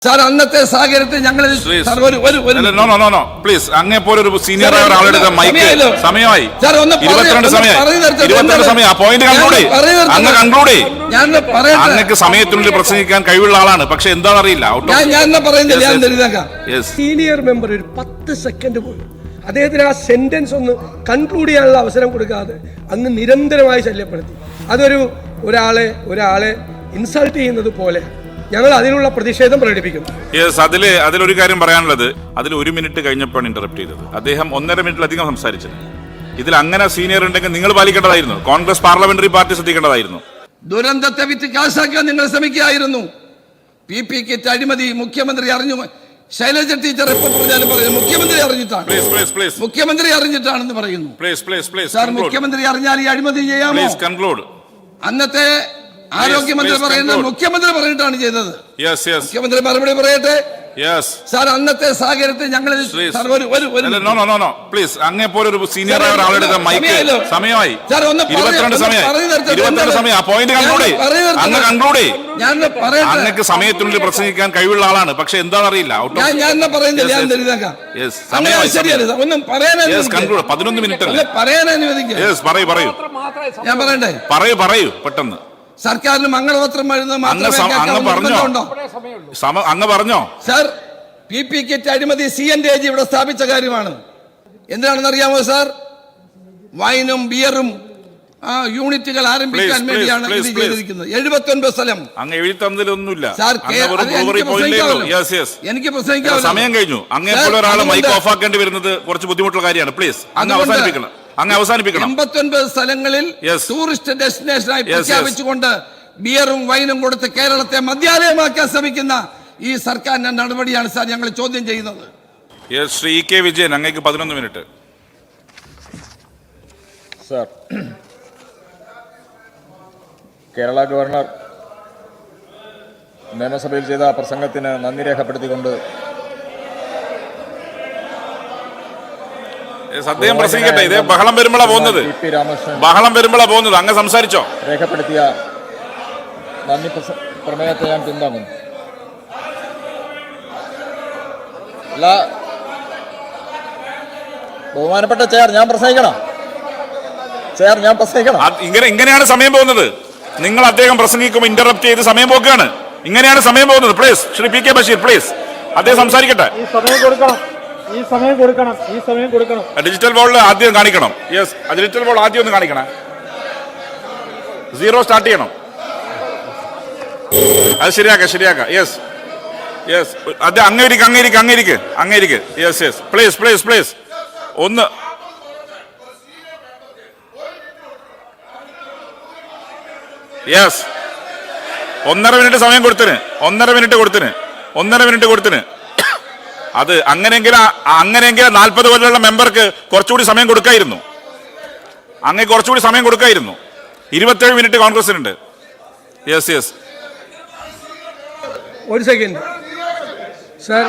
Sir അന്നത്തെ സാഹചര്യത്തിൽ ഞങ്ങൾ പ്ലീസ് അങ്ങേ പോലെ ഒരു സീനിയർ ആളുടെ മൈക്ക് സമയമായി 22 സമയം പോയിന്റ് കൺക്ലൂഡ് അങ്ങക്ക് സമയത്തിനുള്ളിൽ പ്രസംഗിക്കാൻ കഴിവുള്ള ആളാണ്. പക്ഷെ എന്താണെന്ന് അറിയില്ല. സീനിയർ മെമ്പർ ഒരു 10 സെക്കൻഡ് പോലും അദ്ദേഹത്തിന് ആ സെന്റൻസ് ഒന്ന് കൺക്ലൂഡ് ചെയ്യാനുള്ള അവസരം കൊടുക്കാതെ അങ്ങ് നിരന്തരമായി ശല്യപ്പെടുത്തി. അതൊരു ഒരാളെ ഇൻസൾട്ട് ചെയ്യുന്നത് പോലെ ഞങ്ങൾ അതിനുള്ള പ്രതിഷേധം പ്രകടിപ്പിക്കും. അതിലൊരു കാര്യം പറയാനുള്ളത്, അതിൽ 1 മിനിറ്റ് കഴിഞ്ഞപ്പോഴാണ് ഇന്ററപ്റ്റ് ചെയ്തത്. അദ്ദേഹം 1.5 മിനിറ്റിലധികം സംസാരിച്ചത്. ഇതിൽ അങ്ങനെ സീനിയർ ഉണ്ടെങ്കിൽ നിങ്ങൾ പാലിക്കേണ്ടതായിരുന്നു. കോൺഗ്രസ് പാർലമെന്ററി പാർട്ടി ശ്രദ്ധിക്കേണ്ടതായിരുന്നു. ദുരന്തത്തെ വിറ്റ് കാശാക്കാൻ നിങ്ങൾ ശ്രമിക്കുകയായിരുന്നു. PP കിറ്റ് അഴിമതി മുഖ്യമന്ത്രി അറിഞ്ഞു. ശൈലജ ടീച്ചർ റിപ്പോർട്ട് പറഞ്ഞാലും പറയുന്നു മുഖ്യമന്ത്രി അറിഞ്ഞിട്ടാണ്. മുഖ്യമന്ത്രി അറിഞ്ഞിട്ടാണെന്ന് പറയുന്നു. സാർ മുഖ്യമന്ത്രി അറിഞ്ഞാൽ ഈ അഴിമതി ചെയ്യാമോ? അന്നത്തെ ആരോഗ്യമന്ത്രി പറയുന്നത് മുഖ്യമന്ത്രി പറഞ്ഞിട്ടാണ് ചെയ്തത്. മുഖ്യമന്ത്രി മറുപടി പറയട്ടെ. സാർ അന്നത്തെ സാഹചര്യത്തിൽ ഞങ്ങൾ പ്ലീസ് അങ്ങേ പോലെ ഒരു സീനിയർ ആളുടെ മൈക്ക് സമയമായി 22 സമയം പോയിന്റ് കൺക്ലൂഡ് അങ്ങക്ക് സമയത്തിനുള്ളിൽ പ്രസംഗിക്കാൻ കഴിവുള്ള ആളാണ്. പക്ഷെ എന്താണെന്ന് അറിയില്ല. 11 മിനിറ്റ് പറയൂ ഞാൻ പറയണ്ടേ? പറയൂ പെട്ടെന്ന്. സർക്കാരിന് മംഗളപത്രം എഴുതുന്നത് അങ്ങ് പറഞ്ഞോ? സാർ PP കിറ്റ് അഴിമതി CNDAG ഇവിടെ സ്ഥാപിച്ച കാര്യമാണ്. എന്താണെന്ന് അറിയാമോ സാർ? വൈനും ബിയറും യൂണിറ്റുകൾ ആരംഭിക്കാൻ വേണ്ടിയാണ് ഇത് ചെയ്തിരിക്കുന്നത്. 79 സ്ഥലം അങ്ങ് എഴുതി തന്നതിലൊന്നുമില്ല. എനിക്ക് പ്രസംഗിക്കാൻ സമയം കഴിഞ്ഞു. അങ്ങേ പോലെ ഒരാൾ മൈക്ക് ഓഫ് ആക്കേണ്ടി വരുന്നത് കുറച്ച് ബുദ്ധിമുട്ടുള്ള കാര്യമാണ്. പ്ലീസ് അങ്ങ് അവസാനിപ്പിക്കണം. 89 സ്ഥലങ്ങളിൽ ടൂറിസ്റ്റ് ഡെസ്റ്റിനേഷനായി പ്രഖ്യാപിച്ചുകൊണ്ട് ബിയറും വൈനും കൊടുത്ത് കേരളത്തെ മദ്യാലയമാക്കാൻ ശ്രമിക്കുന്ന ഈ സർക്കാരിന്റെ നടപടിയാണ് സാർ ഞങ്ങൾ ചോദ്യം ചെയ്യുന്നത്. ശ്രീ കെ വിജയൻ അങ്ങേക്ക് 11 മിനിറ്റ്. സാർ, കേരള ഗവർണർ നിയമസഭയിൽ ചെയ്ത പ്രസംഗത്തിന് നന്ദി രേഖപ്പെടുത്തിക്കൊണ്ട് അദ്ദേഹം പ്രസംഗിക്കട്ടെ. ഇതേ ബഹളം വരുമ്പോഴാണ് പോകുന്നത്. അങ്ങ് സംസാരിച്ചോ? രേഖപ്പെടുത്തിയ നന്ദി പ്രമേയത്തെ ഞാൻ പിന്താങ്ങുന്നു. അല്ല, ബഹുമാനപ്പെട്ട ചെയർ, ഞാൻ പ്രസംഗിക്കണം. ഇങ്ങനെയാണ് സമയം പോകുന്നത്. നിങ്ങൾ അദ്ദേഹം പ്രസംഗിക്കുമ്പോൾ ഇന്ററപ്റ്റ് ചെയ്ത് സമയം പോക്കുകയാണ്. ഇങ്ങനെയാണ് സമയം പോകുന്നത്. Please Shri PK Basheer, please അദ്ദേഹം സംസാരിക്കട്ടെ. ഡിജിറ്റൽ ബോർഡിൽ ആദ്യം കാണിക്കണം. ഡിജിറ്റൽ ബോർഡ് ആദ്യം ഒന്ന് കാണിക്കണം. 0 സ്റ്റാർട്ട് ചെയ്യണം. അത് ശരിയാക്ക. അത് അങ്ങേരിക്ക്. പ്ലീസ് ഒന്ന്. ഒന്നര മിനിറ്റ് സമയം കൊടുത്തിന്. 1.5 മിനിറ്റ് കൊടുത്തിന്. അത് അങ്ങനെയെങ്കിൽ 40 കൊല്ലമുള്ള മെമ്പർക്ക് കുറച്ചുകൂടി സമയം കൊടുക്കായിരുന്നു. 27 മിനിറ്റ് കോൺഗ്രസിനുണ്ട്. ഒരു സെക്കൻഡ് സാർ,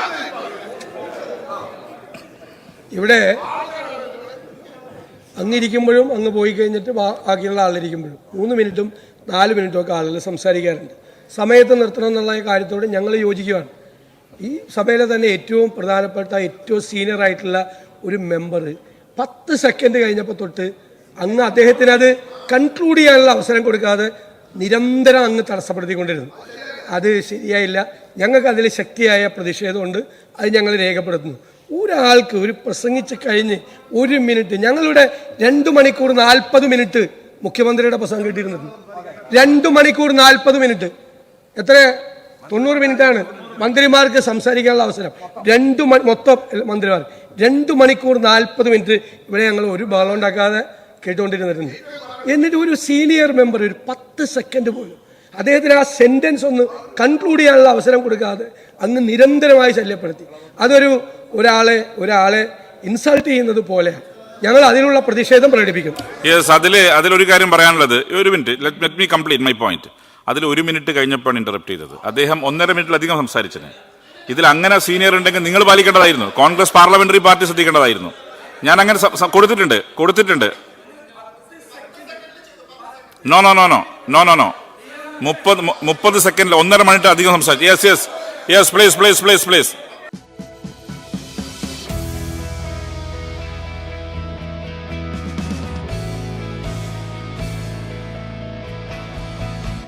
ഇവിടെ അങ്ങിരിക്കുമ്പോഴും അങ്ങ് പോയി കഴിഞ്ഞിട്ട് ബാക്കിയുള്ള ആളിരിക്കുമ്പോഴും 3 മിനിറ്റും 4 മിനിറ്റും ഒക്കെ ആളുകൾ സംസാരിക്കാറുണ്ട്. സമയത്ത് നിർത്തണം എന്നുള്ള കാര്യത്തോട് ഞങ്ങൾ യോജിക്കുകയാണ്. ഈ സഭയിലെ തന്നെ ഏറ്റവും പ്രധാനപ്പെട്ട ഏറ്റവും സീനിയർ ആയിട്ടുള്ള ഒരു മെമ്പർ 10 സെക്കൻഡ് കഴിഞ്ഞപ്പോൾ തൊട്ട് അങ്ങ് അദ്ദേഹത്തിന് അത് കൺക്ലൂഡ് ചെയ്യാനുള്ള അവസരം കൊടുക്കാതെ നിരന്തരം അങ്ങ് തടസ്സപ്പെടുത്തിക്കൊണ്ടിരുന്നു. അത് ശരിയായില്ല. ഞങ്ങൾക്ക് അതിൽ ശക്തിയായ പ്രതിഷേധമുണ്ട്. അത് ഞങ്ങൾ രേഖപ്പെടുത്തുന്നു. ഒരാൾക്ക് ഒരു പ്രസംഗിച്ച് കഴിഞ്ഞ് 1 മിനിറ്റ്, ഞങ്ങളിവിടെ 2 മണിക്കൂർ 40 മിനിറ്റ് മുഖ്യമന്ത്രിയുടെ പ്രസംഗം കിട്ടിയിരുന്നത്. 2 മണിക്കൂർ 40 മിനിറ്റ്. എത്ര? 90 മിനിറ്റാണ് മന്ത്രിമാർക്ക് സംസാരിക്കാനുള്ള അവസരം. മൊത്തം മന്ത്രിമാർ 2 മണിക്കൂർ 40 മിനിറ്റ് ഇവിടെ ഞങ്ങൾ ഒരു ബഹളം ഉണ്ടാക്കാതെ കേട്ടുകൊണ്ടിരുന്നിട്ടുണ്ട്. എന്നിട്ട് ഒരു സീനിയർ മെമ്പർ ഒരു 10 സെക്കൻഡ് പോലും അദ്ദേഹത്തിന് ആ സെന്റൻസ് ഒന്ന് കൺക്ലൂഡ് ചെയ്യാനുള്ള അവസരം കൊടുക്കാതെ അങ്ങ് നിരന്തരമായി ശല്യപ്പെടുത്തി. അതൊരു ഒരാളെ ഇൻസൾട്ട് ചെയ്യുന്നത് പോലെയാണ്. ഞങ്ങൾ അതിനുള്ള പ്രതിഷേധം പ്രകടിപ്പിക്കും. അതിലൊരു കാര്യം പറയാനുള്ളത്, 1 minute, let me complete my point. അതിൽ 1 മിനിറ്റ് കഴിഞ്ഞപ്പോഴാണ് ഇന്ററപ്റ്റ് ചെയ്തത്. അദ്ദേഹം 1.5 മിനിറ്റിലധികം സംസാരിച്ചത്. ഇതിൽ അങ്ങനെ സീനിയർ ഉണ്ടെങ്കിൽ നിങ്ങൾ പാലിക്കേണ്ടതായിരുന്നു. കോൺഗ്രസ് പാർലമെന്ററി പാർട്ടി ശ്രദ്ധിക്കേണ്ടതായിരുന്നു. ഞാൻ അങ്ങനെ കൊടുത്തിട്ടുണ്ട്. നോ 30 സെക്കൻഡിൽ 1.5 മിനിറ്റ് അധികം സംസാരിച്ചു. Yes please please please please